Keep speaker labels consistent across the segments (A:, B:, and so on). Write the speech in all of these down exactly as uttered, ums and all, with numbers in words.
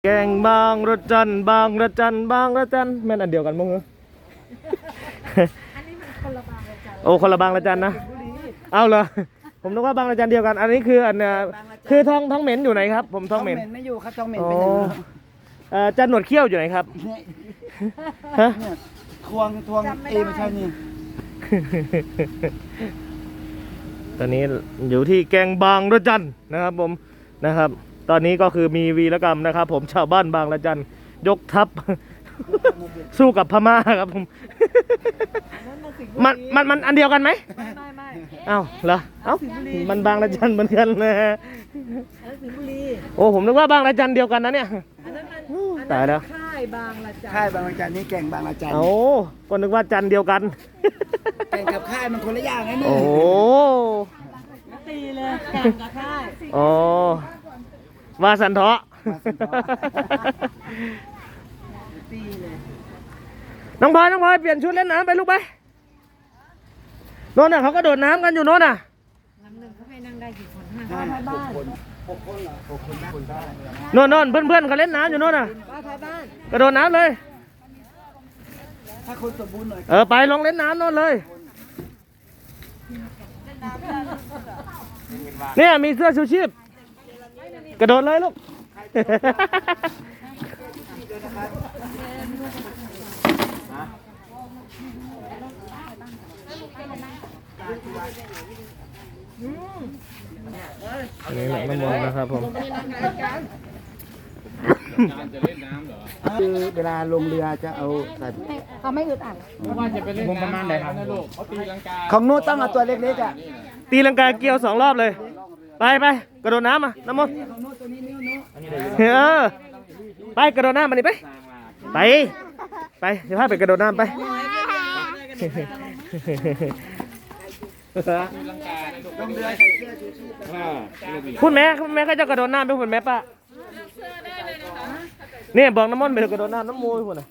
A: แกงบางระจันบางระจันบางระจันแม่นอันเดียวกันมั้งเหรอ
B: อันนี้มันคนละบางระจัน
A: โอ้คนละบางระจันนะเอาเหรอผมนึกว่าบางระจันเดียวกันอันนี้คืออันเอ่อคือท้องท้องเหม็นอยู่ไหนครับผมท้องเหม็น
C: ไม่อยู่ครับท้องเหม็น
A: อ๋อ
C: เป็นอย่างนี้
A: เอ่อจันหนวดเขี้ยวอยู่ไหนครับฮะ
C: เนี่ยทวงทวงเอไม่ใช่นี่
A: ตอนนี้อยู่ที่แกงบางระจันนะครับผมนะครับ ตอนนี้ก็คือมีวีรกรรมนะครับ ผมชาวบ้านบางระจันยกทัพ สู้กับพม่าครับผม มันมันมันอันเดียวกันไหม
B: ไม่ไม่ไม่
A: เอ้าเหรอเอ้ามันบางระจันเหมือนกันนะฮะ
B: อันนั้นสิงห์บุรี
A: โอ้ผมนึกว่าบางระจันเดียวกันนะเนี่ย
B: อันนั้นมัน
A: อู้
B: อัน
A: ตายแล้ว
B: ค่ายบางระจัน
C: ค่ายบางระจันนี่แก่งบางระจัน
A: โอ้ก็นึกว่าจันเดียวกัน
C: แก่งกับค่ายมันคนละอย่างไงนี่
A: โอ้
B: ตีเลยแข่งกับค่าย
A: โอ้ว่าสันเถาะ
B: ตีเลย
A: น้องพลอยน้องพลอยเปลี่ยนชุดเล่นน้ำไปลูกไปโน่นน่ะเขาก็โดดน้ำกันอยู่โน่นน่ะ
B: น้ำหนึ่งเขาให้นั่งได้กี่คนห้า
C: ห้า
B: ป้าท้าย
C: ห
B: บ้าก น
C: คนหกคนเหรอหกคนได้คนได้
A: โน่นโน่นเพื่อนเพื่อนๆเขาเล่นน้ำอยู่โน่นน่ะ
B: ป้าท้ายบ้าน
A: กระโดดน้ำเลย
C: ถ้าคนสมบูรณ์หน่อย
A: เออไปลงเล่นน้ำโน่นเลยเนี่ยมีเสื้อชูชีพกระโดดเลยลูก อันนี้แหละน้ำมันนะครับผม
C: คือเวลาลงเรือจะเอาใส่
B: เขาไม่อึดอัด
C: มุมประมาณไหนครับของนู้นต้องเอาตัวเล็กๆอ่ะ
A: ตีลังกาเกี่ยวสองรอบเลย ไปไปกระโดดน้ำมาน้ำมัน
C: ของนู้นตัวนี้นิ้วนู้น
A: เออไปกระโดดน้ำมาดิไปไปไปเดี๋ยวพาไปกระโดดน้ำไป
C: ลงเรือใส่เสื้อชูชีพ
A: คุณแม่คุณแม่ก็จะกระโดดน้ำไปคุณแม่ป้าเนี่ยบอกน้ำมันไปกระโดดน้ำน้ำมูยคุณน่ะ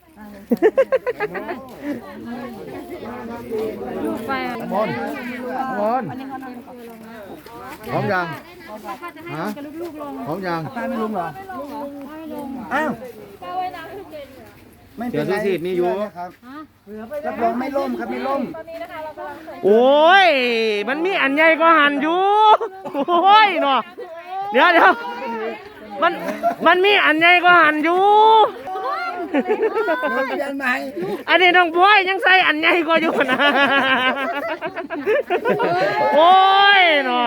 B: ไฟ
D: มอนมอนพร้อมยังฮะพร้อมยัง
C: ตายไม่ลงเหรออ้าวไม่เป็นไรมีอยู่ครับรับรองไม่ล่มครับไม่ล่ม
A: โอ้ยมันมีอันใหญ่ก็หันอยู่โอ้ยเนาะเดี๋ยวเดี๋ยวมันมันมีอันใหญ่ก็หันอยู่
C: เปลี่ยนใหม่
A: อันนี้น้องบอยยังใส่อันใหญ่ก็อยู่นะโอ้ยเนาะ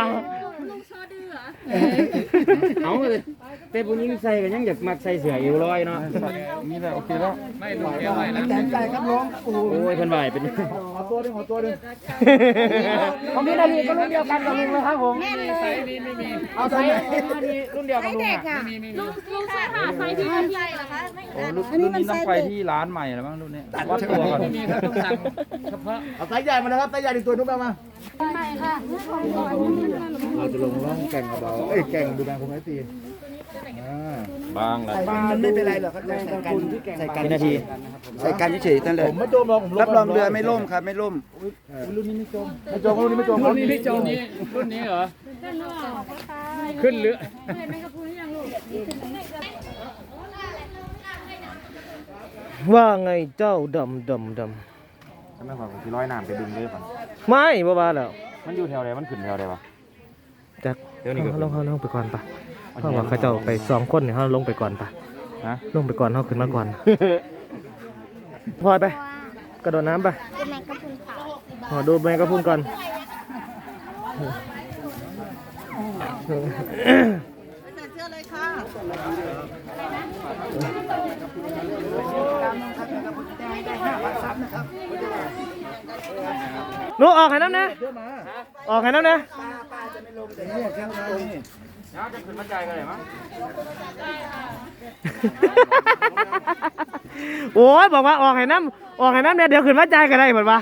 E: เอาเลยแต่ผู้หญิงใส่ก็ยังอยากมักใส่เสื้อเอวลอยเนาะ
D: นี่แหละโอเคแล้ว
C: แตนใจครับน้องโอ้โห
E: โอ้ยเพิ่นไหวเป็น
C: ขอตัวดึงขอตัวดึง
E: ของพี่นาทีก็รุ่นเดียวกันกับลุงเลยครับผม
C: เอาใส่ไหน
E: รุ่นเดียวกับลุงอ่ะ
B: ลุงลุงใส่ผ้าไฟที่มันใหญ่เหรอคะไม่
D: โอ้รุ่นรุ่นนี้ต้องไปที่ร้านใหม่แล้วมั้งรุ่นนี้วัดตัวก่อน
C: เอาไซส์ใหญ่มานะครับไซส์ใหญ่หนึ่งตัวนุ๊กเอามา
B: ใหม่ค่ะ
D: เราจะลงร่องแก่งกระเบาเอ้ยแก่งดูแบงคงไอตีอ่าบางละ
C: ใส่กันมันไม่เป็นไรหรอกครับใส่กันใส่กัน
E: พี่นาที
C: ใส่กันเฉยๆนั่นเลย
D: ผมไม่จมหรอกผม
C: รับรองเรือไม่ล่มครับไม่ล่ม
D: รุ่นนี้ไม่จมไม่จมรุ่นนี้ไม่จมรุ่นนี้ไม่จม
E: รุ่นนี้เหรอขึ้นเรือ
A: ว่าไงเจ้าดำดำด
D: ใช่ไหมครับที่ร้อยน้ำไปดึงเลยป่ะ
A: ำไม่บ้าบ้าแล้ว
D: มันอยู่แถวไหนมันขึ้นแถวไหนวะ
A: จัก
D: เดี๋ยวนี้ก็
A: ลงเขาลงไปก่อนปะเพราะว่าเขาเจ้าไปสองคนเนี่ยเขาลงไปก่อนปะ
D: ฮะ
A: ลงไปก่อนเขาขึ้นมาก่อน พลอยไป กระโดดน้ำไปขอดูแมงกะพรุนก่อน หนูออกให้น้ำนะออกให้น้ำนะ
C: เนี่ยครับนี่
E: จะขึ้นมาใจกันเลยมั้ง
A: โอ้ยบอกว่าออกให้น้ำออกให้น้ำเนี่ยเดี๋ยวขึ้นมาจ่ายก็ได้เหมือนปะ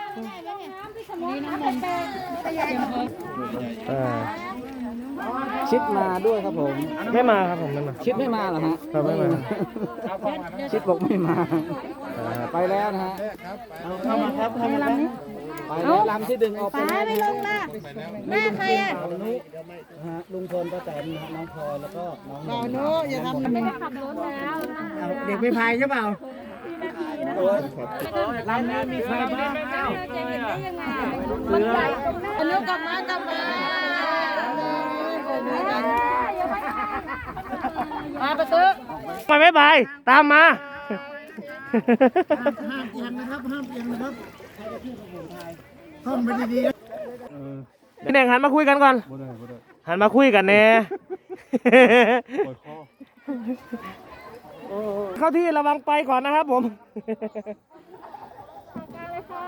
A: เออ
E: ชิดมาด้วยครับผม
A: ไม่มาครับผมไม่มา
E: ชิดไม่มาเหรอฮะ
A: ครับไม่มา
E: ชิดบอกไม่มาไปแล้วนะฮะ
C: เข้ามาครับเข้ามาครับ
A: อ
E: ลำที่ดึงออกไป
B: ป้าไม่ลงล่ะแม่ใครอ่ะ
C: ลุงพลป้าแตนน้องพลอยแล้วก็น้อง
B: รอโน้อย่าทำ
F: ไม่ได้ขับรถแล้วนะ
C: เด็กไม่พายใช่เปล่า
E: ลำนี้มีใครบ้าง
F: จะเห็นได้ยังไง
B: มันใหญ่อันนี้กลับมากลับมามาประตู
A: ไปไม่ไปตามมา
C: ห้ามเอียงนะครับห้ามเอียงนะครับห้ามไปดีๆ
A: พี่เน่งหันมาคุยกันก่อนหันมาคุยกันแน่เข้าที่ระวังไปก่อนนะครับผม
F: เลยค่ะ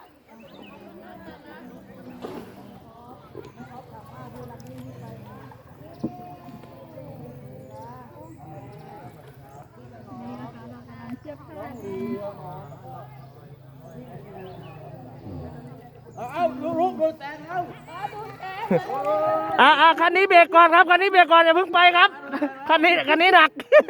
A: อ่าอ่าคันนี้เบรกก่อนครับคันนี้เบรกก่อนอย่าเพิ่งไปครับคันนี้คันนี้หนัก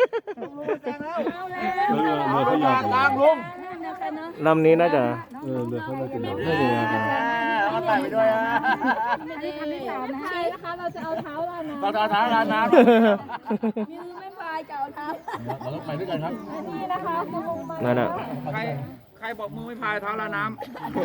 E: กลางลง
A: ลำนี้น่าจะ
D: เออเรือเขามากินเรา
A: น่าจะนะครับ
C: เอาไปไปด้วยอ่ะ
F: ไม่ได้ทำให้สาวนะชี้นะคะเราจะเอาเท้าเรานะ
E: เราท้าทายน้ำ
F: มือไม่พายจะเอาเท้า
E: เราต้องไปด้วยกันครับ
F: นี่นะคะคุณลุงมา
A: นั่นน่ะ
E: ใครใครบอกมือไม่พายเท้าละน้ำ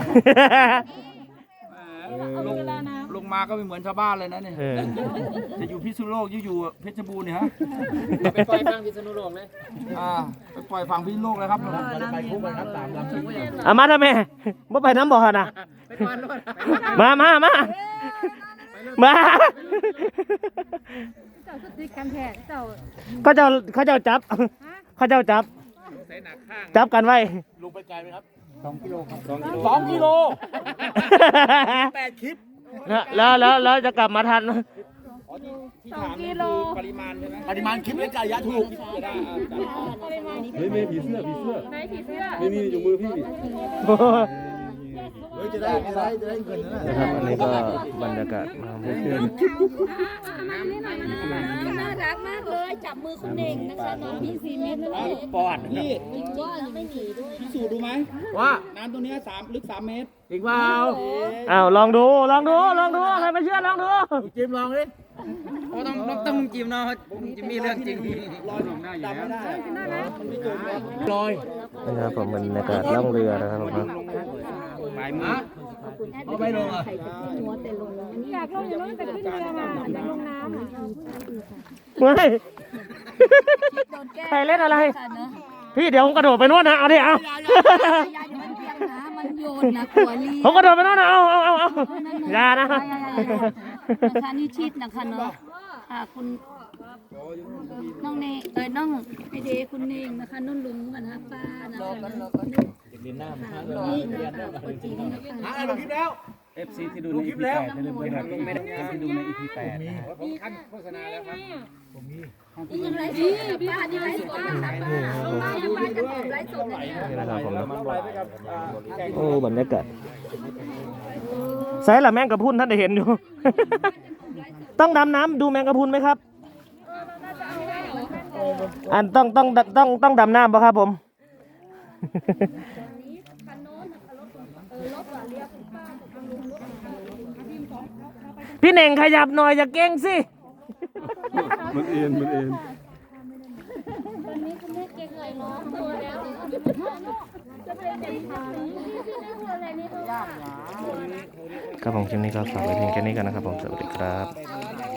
E: ลงลงมาก็ไม่เหมือนชาวบ้านเลยนะเนี่ย
A: เออ
E: จะอยู่พิษณุโลกอยู่อยู่เพชรบูรณ์เนี่ยฮะไปปล่อยฝั่งพิษณุโลกเลยอ่าไปปล่อยฝั่งพิษณุโลกเลยครับเราไปคู่กันครับตามลำที่
A: เอามาทำไมบ่ไปน้ำบ่อนะมามามามา
F: เจ้าสติกันแท้เจ้า
A: เขาเจ้าเขาเจ้าจับเขาเจ้าจับจับกันไว้
E: ลงไปไกลไหมครับ
C: สองกิโลครับ
E: สองกิโลแปดคลิป
A: แล้วแล้วแล้วแล้วจะกลับมาทัน
F: สองกิโล
E: ปริมาณใช่ไหมปริมาณคลิปและจ่ายยาถูก
D: เฮ้ยเมย์ผีเสื้อผีเสื้อ
F: ไหนผีเสื้อ
D: นี่นี่อยู่มือพี่
C: เฮ้ยจะได้จะได้จะได้เงินนะ
A: นะครับอันนี้ก็บรรยากาศนะครับเพื่อน
F: น่ารักมากเลยจับมือคุณเน่งนะคะน้องพี่สี่เมตรนั่นเอง
E: ปอดนี่
F: อีกก้อนไม่หนีด้วย
E: พิสูจน์ดูไหม
A: ว่า
E: น้ำตรงนี้สามลึกสามเมตร
A: อีกเปล่าอ้าวลองดูลองดูลองดูใครไม่เชื่อลองดู
E: จิมลองดิต้องต้องต้องจิมเนาะจิมมีเรื่องจริงลอยหนุ่มหน้าอยู่แล้วลอย
A: นะครับผมบรรยากาศล่องเรือนะครับผมครับ
E: ปลายมือเอาไปลงอ่ะ
F: อยากลงอย่างนั้นแต่ขึ้นเรือมาแต่ลงน้ำ
A: ไม่ใครเล่นอะไร พี่เดี๋ยวผมกระโดดไปนู่นนะเอาดิเอา
F: ยายมันเปียกนะมันโยนนะกลัวรี
A: ผมกระโดดไปนู่นนะเอาเอาเอาเอาอย่านะ
F: นะคะนี่ชิดนะคะเนาะค่ะคุณน้องเนงเอ้ยน้องไอเดคุณเนงนะคะนุ่นลุงกันนะป้านะคะนี่โอจีนี่นะคะ
E: หาลงคลิปแล้ว เอฟ ซี ที่ดูใน อี พี แปดจะลืมไปครับลงไม่ได้ที่ดูใน อี พี แปดผมขั้นโฆษณาแล้วครับ
F: นี่ยังไรสดป้านี่ไรสดนะคะป้าป้ายังป้าจะตอบไรสดเลยเนี่ย
A: นี่นะครับผมนะ
E: มันไปกับ
A: โอ้บรรยากาศใส่ละแมงกะพรุนท่านได้เห็นอยู่ ต้องดำน้ำดูแมงกะพรุนไหมครับอันต้องต้องต้องต้องดำน้ำป่ะครับผม พี่เน่งขยับหน่อยอย่าเก่งสิ
D: มันเอ็นมันเอ็น
F: วันนี้คุณแม่เก่งเลยเนาะตัวแล้วจะเป็นเด็กชายนี่คือในหัวอะไรนี่ตัว
A: ครับผมคลิปนี้ก็ฝากไว้เพียงแค่นี้กันนะครับผมสวัสดีครับ
F: เ